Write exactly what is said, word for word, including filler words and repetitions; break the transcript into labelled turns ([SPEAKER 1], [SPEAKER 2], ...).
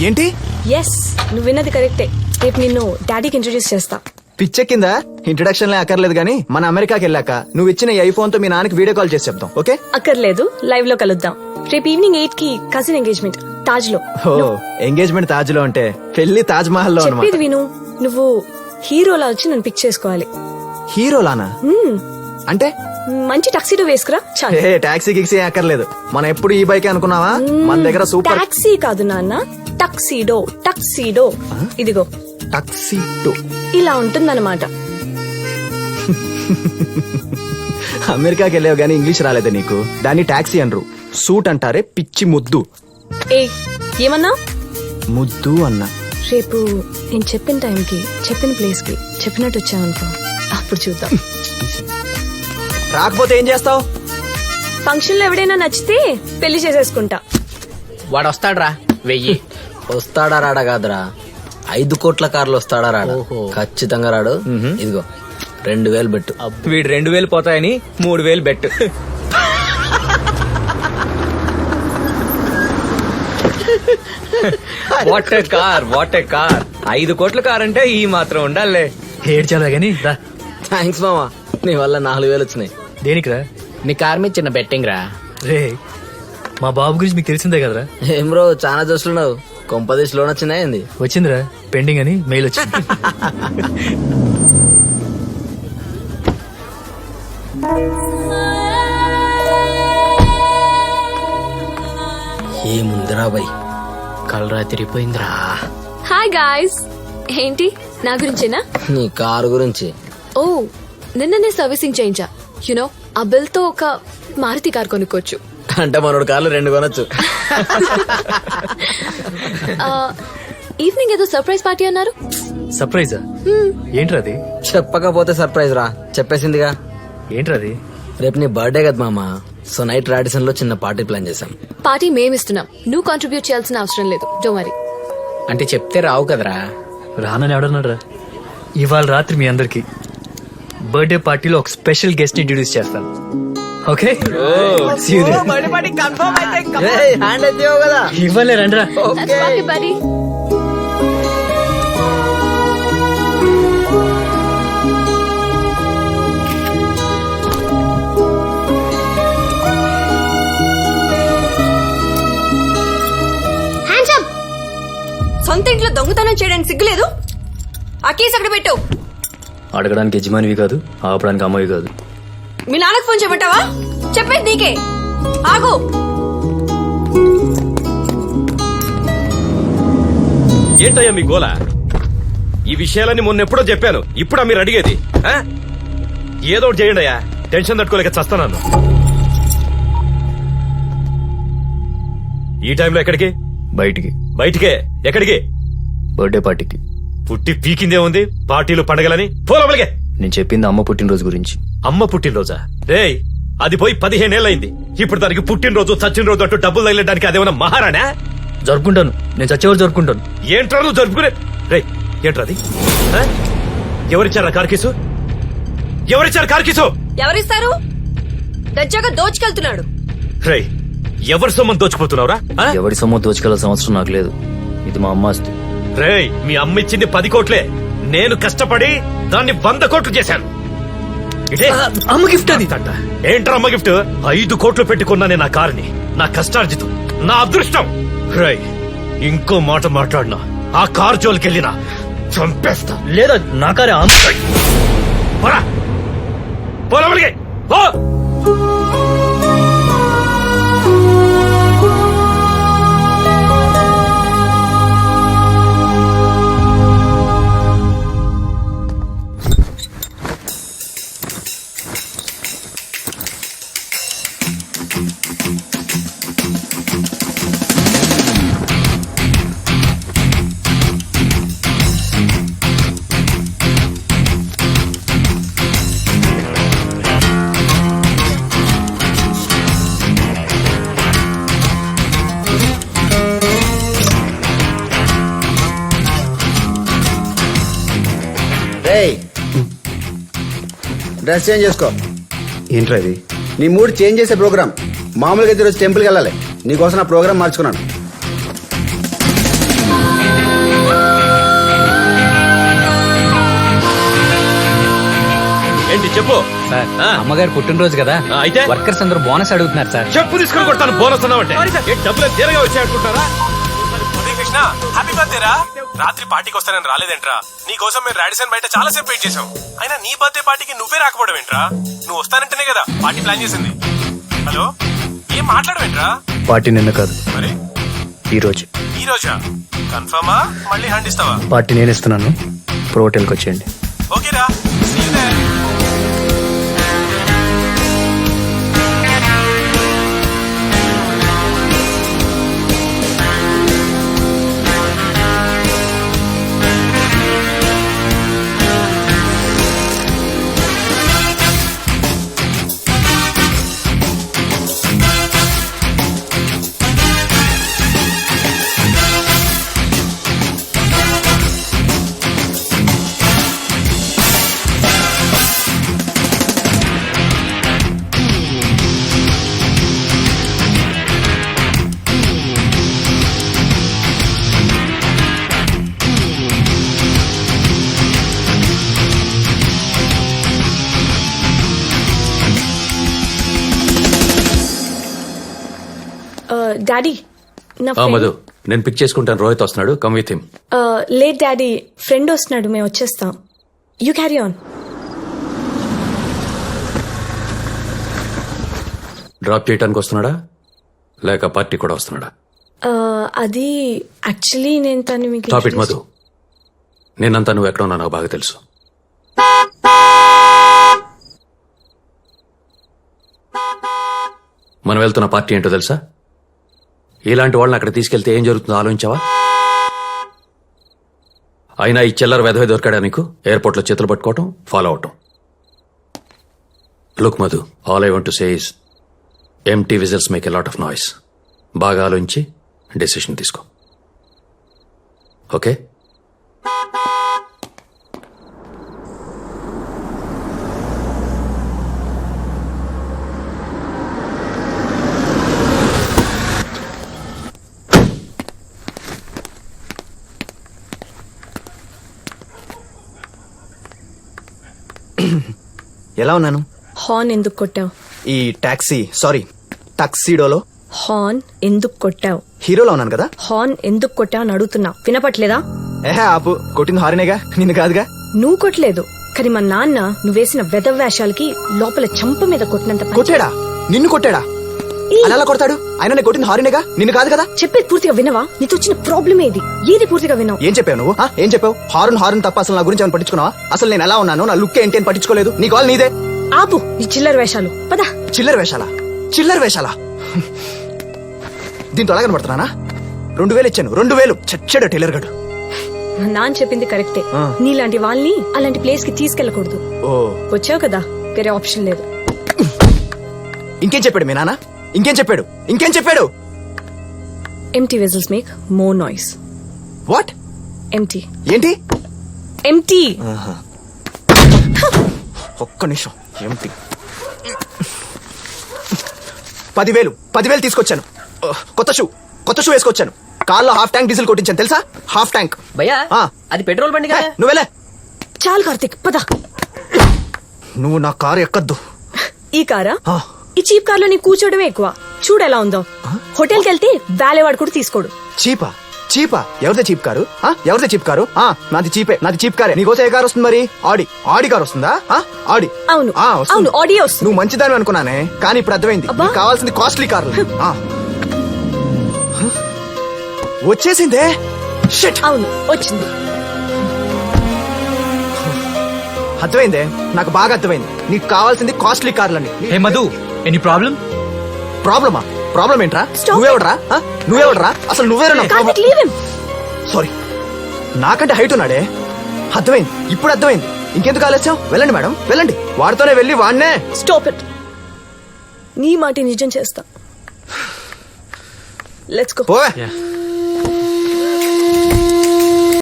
[SPEAKER 1] ఏంటి?
[SPEAKER 2] ఎస్, నువ్వు విన్నది కరెక్టే. రేపు నిన్ను డాడీకి ఇంట్రొడ్యూస్ చేస్తా.
[SPEAKER 1] పిచ్చెక్కింద ఇంట్రడక్షన్ అక్కర్లేదు గానీ మన అమెరికాకి వెళ్ళాక నువ్వు ఇచ్చిన ఈ ఐఫోన్ తో మీ నాన్నకి వీడియో కాల్ చేసి చెప్తాం. ఓకే?
[SPEAKER 2] అక్కర్లేదు, లైవ్ లో కలుద్దాం. రేపు ఈవినింగ్ ఎయిట్ కి కజిన్ ఎంగేజ్మెంట్ తాజ్ లో.
[SPEAKER 1] ఓ, ఎంగేజ్మెంట్ తాజ్ లో అంటే పెళ్లి తాజ్ మహల్ లో
[SPEAKER 2] చెప్పేది
[SPEAKER 1] అన్నమాట.
[SPEAKER 2] విను. నువ్వు హీరోలా వచ్చి నన్ను పిక్ చేసుకోవాలి.
[SPEAKER 1] హీరోలానా?
[SPEAKER 2] మ్మ్.
[SPEAKER 1] అంటే
[SPEAKER 2] మంచి టక్సీడో వేసుకురా చాలు.
[SPEAKER 1] ఏ టాక్సీ గిక్సీ అక్కర్లేదు. మనం ఎప్పుడు ఈ బైక్ అనుకున్నావా? మన దగ్గర సూపర్
[SPEAKER 2] టాక్సీ కాదు నాన్న, టక్సీడో. టక్సీడో ఇదిగో
[SPEAKER 1] టాక్సీ టూ
[SPEAKER 2] ఇలా ఉంటుందన్నమాట.
[SPEAKER 1] అమెరికాకి వెళ్ళావు గానీ ఇంగ్లీష్ రాలేదే నీకు. దాన్ని టాక్సీ అనరు, సూట్ అంటారే పిచ్చి ముద్దు.
[SPEAKER 2] ఏ ఏమన్నా?
[SPEAKER 1] ముద్దు అన్నా.
[SPEAKER 2] రేపు నేను చెప్పిన టైంకి చెప్పిన ప్లేస్ కి చెప్పినట్టు వచ్చావనుకో, అప్పుడు చూద్దాం.
[SPEAKER 1] రాకపోతే ఏం చేస్తావు?
[SPEAKER 2] ఫంక్షన్ లో ఎవడైనా నచ్చితే పెళ్లి చేసేసుకుంటా.
[SPEAKER 3] వాడు వస్తాడ్రా వెయ్యి.
[SPEAKER 4] వస్తాడా రాడా కాదురా, ఐదు కోట్ల కార్లు వస్తాడా రాడా? ఖచ్చితంగా రాడు. ఇదిగో రెండు వేలు పెట్టు.
[SPEAKER 3] వీడు రెండు వేలు పోతాయని మూడు వేలు bet. What a car, what a car. ఐదు కోట్ల కార్ అంటే ఈ మాత్రం ఉండాలే.
[SPEAKER 5] ఏడ్చాలా గానీ రా.
[SPEAKER 4] థ్యాంక్స్ మామా, నీ వల్ల నాలుగు వేలు వచ్చినాయి.
[SPEAKER 5] దేనికిరా?
[SPEAKER 3] నీ కార్ మీద చిన్న బెట్టింగ్ రా.
[SPEAKER 5] రే, మా బాబు గురించి మీకు తెలిసిందే కదరా.
[SPEAKER 4] ఏం బ్రో చాలా చూస్తున్నావు, కొంపదేశ్ లోన్ వచ్చినాయింది.
[SPEAKER 5] వచ్చిందిరా పెండింగ్ అని మెయిల్ వచ్చింది.
[SPEAKER 4] ఏముందిరా బై,
[SPEAKER 3] కలరా తిరిగిపోయిందిరా.
[SPEAKER 2] Hi guys. ఏంటి నా గురించేనా?
[SPEAKER 4] నీ కారు గురించి.
[SPEAKER 2] ఓ, నిన్ననే సర్వీసింగ్ చేయించా. యునో ఆ బిల్ తో ఒక మారుతి కార్ కొనుక్కోవచ్చు.
[SPEAKER 4] అంటే మనోడు కార్లు రెండు కొనొచ్చు.
[SPEAKER 2] ఈవినింగ్ ఏదో సర్ప్రైజ్ పార్టీ అన్నారు.
[SPEAKER 5] సర్ప్రైజా? ఏంట్రా అది?
[SPEAKER 4] చెప్పకపోతే సర్ప్రైజ్ రా, చెప్పేసిందిగా.
[SPEAKER 5] ఏంట్రా అది?
[SPEAKER 4] రేపు నీ బర్త్డే కదా మామ, సో నైట్ రాడిసన్ లో చిన్న పార్టీ ప్లాన్ చేశాం.
[SPEAKER 2] పార్టీ మేమిస్తున్నాం, నువ్వు కాంట్రిబ్యూట్ చేయాల్సిన అవసరం లేదు. Don't worry.
[SPEAKER 3] అంటే చెప్తే రావు కదరా.
[SPEAKER 5] రానని ఎవడన్నాడ్రా? ఇవాళ రాత్రి మీ అందరికి బర్త్డే పార్టీలో ఒక స్పెషల్ గెస్ట్ ఇంట్రడ్యూస్ చేస్తాను. ఓకే?
[SPEAKER 4] ఏయ్, హ్యాండ్ అయితే కదా.
[SPEAKER 5] ఇవ్వలే రండ్రా.
[SPEAKER 2] buddy. సొంత ఇంట్లో దొంగతనం చేయడానికి సిగ్గులేదు? ఆ కేసు అక్కడ పెట్టు.
[SPEAKER 5] అడగడానికి యజమానివి కాదు, ఆపడానికి అమ్మవి కాదు.
[SPEAKER 2] మీ నాన్నకు ఫోన్ చేయమంటావా? చెప్పేది నీకే. ఆగు.
[SPEAKER 6] ఏంటయ్యా మీ గోల? ఈ విషయాలన్నీ మొన్నెప్పుడో చెప్పాను, ఇప్పుడా మీరు అడిగేది? ఆ? ఏదో ఒకటి చేయండి అయ్యా, టెన్షన్ తట్టుకోలేక చస్తాను. ఈ టైంలో ఎక్కడికి?
[SPEAKER 5] బయటికి.
[SPEAKER 6] బయటికే? ఎక్కడికి?
[SPEAKER 5] బర్త్డే పార్టీకి.
[SPEAKER 6] పుట్టి పీకిందే ఉంది పార్టీలు పండగలని. పోలవలిగే.
[SPEAKER 5] నేను చెప్పింది అమ్మ పుట్టినరోజు గురించి.
[SPEAKER 6] అమ్మ పుట్టినరోజా? రేయ్, అది పోయి పదిహేనేళ్ళయింది. ఇప్పుడు దానికి పుట్టినరోజు చచ్చిన అంటూ డబ్బులు తగిలడానికి అదేమన్నా మహారాణా?
[SPEAKER 5] జరుపుకుంటాను, నేను చచ్చేవారు జరుపుకుంటాను.
[SPEAKER 6] ఏంట్రా నువ్వు జరుపుకునే? రేయ్, ఏంట్రా అది? ఆ? ఎవరిచ్చారా కార్కీసు? ఎవరిచ్చారు కార్కీసు?
[SPEAKER 2] ఎవరిస్తారు? దర్జాగా దోచుకెళ్తున్నాడు.
[SPEAKER 6] రేయ్, ఎవరి సొమ్మని దోచుకుపోతున్నావురా? ఆ?
[SPEAKER 5] ఎవరి సొమ్ము దోచుకెళ్లాల్సిన అవసరం నాకు లేదు, ఇది మా అమ్మ ఆస్తి.
[SPEAKER 6] రేయ్, మీ అమ్మ ఇచ్చింది పది కోట్లే, నేను కష్టపడి దాన్ని వంద కోట్లు చేశాను. ఇదే
[SPEAKER 5] అమ్మ గిఫ్ట్ అది.
[SPEAKER 6] ఏంట్రా అమ్మ గిఫ్ట్? ఐదు కోట్లు పెట్టుకున్నానే నా కారుని, నా కష్టార్జితం, నా అదృష్టం. రేయ్, ఇంకో మాట మాట్లాడినా, ఆ కారు జోలికెళ్ళినా చంపేస్తా.
[SPEAKER 5] లేదా నా కారే అమ్మ.
[SPEAKER 6] పోరా, పోరా మళ్ళీ, పో.
[SPEAKER 7] డ్రెస్ చేంజ్ చేసుకో.
[SPEAKER 1] ఏంట్రా ఇది?
[SPEAKER 7] నీ మూడ్ చేంజ్ చేసే ప్రోగ్రామ్. మామూలుగా అయితే రోజు టెంపుల్కి వెళ్ళాలి, నీకోసం నా ప్రోగ్రామ్ మార్చుకున్నాను.
[SPEAKER 6] చెప్పు
[SPEAKER 5] సార్
[SPEAKER 6] ఆ.
[SPEAKER 5] అమ్మగారు పుట్టినరోజు కదా
[SPEAKER 6] ఆ, అయితే?
[SPEAKER 5] వర్కర్స్ అందరూ బోనస్ అడుగుతున్నారు సార్.
[SPEAKER 6] చెప్పు తీసుకొని కొడతాను బోనస్ అన్నావంటే ఏ డబ్బులు తీరగా వచ్చాయనుకుంటారా?
[SPEAKER 8] అదే కృష్ణ హ్యాపీ బర్త్డే రా. రాత్రి పార్టీకి వస్తానని రాలేదేంట్రా? నీ కోసం మేము రాడిసన్ బయట చాలా సేపు వెయిట్ చేసాం. అయినా నీ బర్త్డే పార్టీకి నువ్వే రాకపోవడం ఏంట్రా? నువ్వు వస్తానంటేనే కదా పార్టీ ప్లాన్ చేసింది. హలో, ఏం మాట్లాడవేంట్రా?
[SPEAKER 5] పార్టీ నిన్న కాదు,
[SPEAKER 8] మరి
[SPEAKER 5] ఈ రోజు
[SPEAKER 8] ఈ రోజా? కన్ఫర్మా? మళ్ళీ హ్యాండ్ ఇస్తావా?
[SPEAKER 5] పార్టీ నేను ఇస్తున్నాను. ప్రో హోటల్కి వచ్చేయండి.
[SPEAKER 8] ఓకేరా. See you there.
[SPEAKER 9] డాడీ నా
[SPEAKER 10] ఆ, మధు నేను పిక్ చేసుకుంటాను. రోహిత్ వస్తున్నాడు, come with him.
[SPEAKER 9] Late daddy, friend వస్తున్నాడు, మేము వచ్చేస్తాం. You carry on.
[SPEAKER 10] డ్రాప్ చేయడానికి వస్తున్నాడా లేక పార్టీ కూడా వస్తున్నాడా?
[SPEAKER 9] అది యాక్చువల్లీ నేను తను మీకు
[SPEAKER 10] టాప్ ఇట్ మధు. నేనంతా నువ్వు ఎక్కడ ఉన్నా నాకు బాగా తెలుసు. మనం వెళ్తున్న పార్టీ ఏంటో తెలుసా? ఇలాంటి వాళ్ళని అక్కడ తీసుకెళ్తే ఏం జరుగుతుందో ఆలోచించావా? అయినా ఈ చిల్లర వెధవే దొరికాడా నీకు? ఎయిర్పోర్ట్ లో చేతులు పట్టుకోవటం, ఫాలో అవటం. Look Madhu, all I want to say is empty vessels make a lot of noise. బాగా ఆలోచించి డెసిషన్ తీసుకో. ఓకే?
[SPEAKER 1] ఎలా ఉన్నాను?
[SPEAKER 9] హార్న్ ఎందుకు కొట్టావు?
[SPEAKER 1] ఈ టాక్సీ సారీ టాక్సీడోలో
[SPEAKER 9] హార్న్ ఎందుకు కొట్టావు?
[SPEAKER 1] హీరోలో ఉన్నాను కదా.
[SPEAKER 9] హార్న్ ఎందుకు కొట్టావు అని అడుగుతున్నా, వినపట్లేదా?
[SPEAKER 1] ఏహే ఆపు, కొట్టింది హారినేగా, నిన్ను కాదుగా.
[SPEAKER 9] నువ్వు కొట్టలేదు, కానీ మా నాన్న నువ్వు వేసిన వెధవ్యాషాలకి లోపల చంప మీద కొట్టినంత పని
[SPEAKER 1] కొట్టాడా? నిన్ను కొట్టాడా?
[SPEAKER 9] ఈ,
[SPEAKER 1] అలా ఎలా కొడతాడు? ఆయన నేను కొట్టింది హారినేగా, నిన్ను కాదు కదా.
[SPEAKER 9] చెప్పేది పూర్తిగా వినవా? నీతో వచ్చిన ప్రాబ్లం ఏది? ఏది పూర్తిగా వినవు?
[SPEAKER 1] ఏం చెప్పావు నువ్వు? ఆ, ఏం చెప్పావు? హారన్ హారన్ తప్ప అసలు నా గురించి ఏమైనా పట్టించుకున్నావా? అసలు నేను ఎలా ఉన్నాను, నా లుక్ ఏంటి అని పట్టించుకోలేదు. నీ కాల్ నీదే.
[SPEAKER 9] ఆపు నీ చిల్లర వేషాలు, పద.
[SPEAKER 1] చిల్లర వేషాలా? చిల్లర వేషాలా? దీంతో ఎలా కనబడుతున్నానా? రెండు వేలు ఇచ్చాను, రెండు వేలు చచ్చాడు టైలర్ గడు.
[SPEAKER 9] మా నాన్న చెప్పింది కరెక్టే.
[SPEAKER 1] ఆ.
[SPEAKER 9] నీలాంటి వాళ్ళని అలాంటి ప్లేస్ కి తీసుకెళ్లకూడదు.
[SPEAKER 1] ఓ,
[SPEAKER 9] వచ్చావు కదా, వేరే ఆప్షన్ లేదు.
[SPEAKER 1] ఇంకేం చెప్పాడు మీ నాన్న? ఇంకేం చెప్పాడు? ఇంకేం చెప్పాడు?
[SPEAKER 9] Empty vessels make more noise.
[SPEAKER 1] What?
[SPEAKER 9] Empty
[SPEAKER 1] ఏంటి?
[SPEAKER 9] ఎంటీ.
[SPEAKER 1] ఒక్క నిమిషం. ఏమిటి? పదివేలు పదివేలు తీసుకొచ్చాను. కొత్త షూ కొత్త షూ వేసుకొచ్చాను. కార్లో హాఫ్ ట్యాంక్ డీజిల్ కొట్టించాను తెలుసా? Half tank.
[SPEAKER 4] భయ్యా
[SPEAKER 1] ఆ.
[SPEAKER 4] అది పెట్రోల్ బండి కదా.
[SPEAKER 1] నువ్వేలే.
[SPEAKER 9] చాలు కార్తిక్, పద.
[SPEAKER 1] నువ్వు నా కారు ఎక్కద్దు.
[SPEAKER 9] ఈ కారా?
[SPEAKER 1] ఆ.
[SPEAKER 9] ఈ చీప్ కార్ లో నీ కూర్చోవడమే ఎక్కువ. చూడు ఎలా ఉందో. హోటల్కి వెళ్తే వాలేవాడు కూడా తీసుకోడు.
[SPEAKER 1] చీపా? చీపా? ఎవరిదే చీప్ కారు? ఆ, ఎవరిదే చీప్ కారు? ఆ, నాది చీపే, నాది చీప్ కారే. నీకోసం ఏ కారు వస్తుంది మరి? ఆడి ఆడి కారు వస్తుందా? ఆ, ఆడి.
[SPEAKER 9] అవును
[SPEAKER 1] ఆ, వస్తుంది.
[SPEAKER 9] అవును, ఆడియో వస్తుంది.
[SPEAKER 1] నువ్వు మంచిదాని అనుకున్నానే, కానీ ఇప్పుడు అర్థమైంది.
[SPEAKER 9] అబ్బా.
[SPEAKER 1] నీకు కావాల్సింది కాస్ట్లీ కార్లు. ఆ. హ? వచ్చేసిందే. షిట్.
[SPEAKER 9] అవును, వచ్చింది.
[SPEAKER 1] అర్థమైందే, నాకు బాగా అర్థమైంది. నీకు కావాల్సింది కాస్ట్లీ కార్లని.
[SPEAKER 5] Hey Madhu, any problem?
[SPEAKER 1] ప్రాబ్లమా? ప్రాబ్లం ఏంట్రా?
[SPEAKER 9] Stop
[SPEAKER 1] నువ్వెవడరా? ఆ? నువ్వెవడరా? అసలు నువ్వేరా?
[SPEAKER 9] Karthik, leave him.
[SPEAKER 1] సారీ, నాకంటే హైట్ ఉన్నాడే. అర్థమైంది, ఇప్పుడు అర్థమైంది. ఇంకెందుకు ఆలస్యం? వెళ్ళండి మేడం, వెళ్ళండి. వాడితోనే వెళ్ళి వాడినే.
[SPEAKER 9] Stop it. నీ మాట నిజం చేస్తా. Let's go.
[SPEAKER 1] పోవే.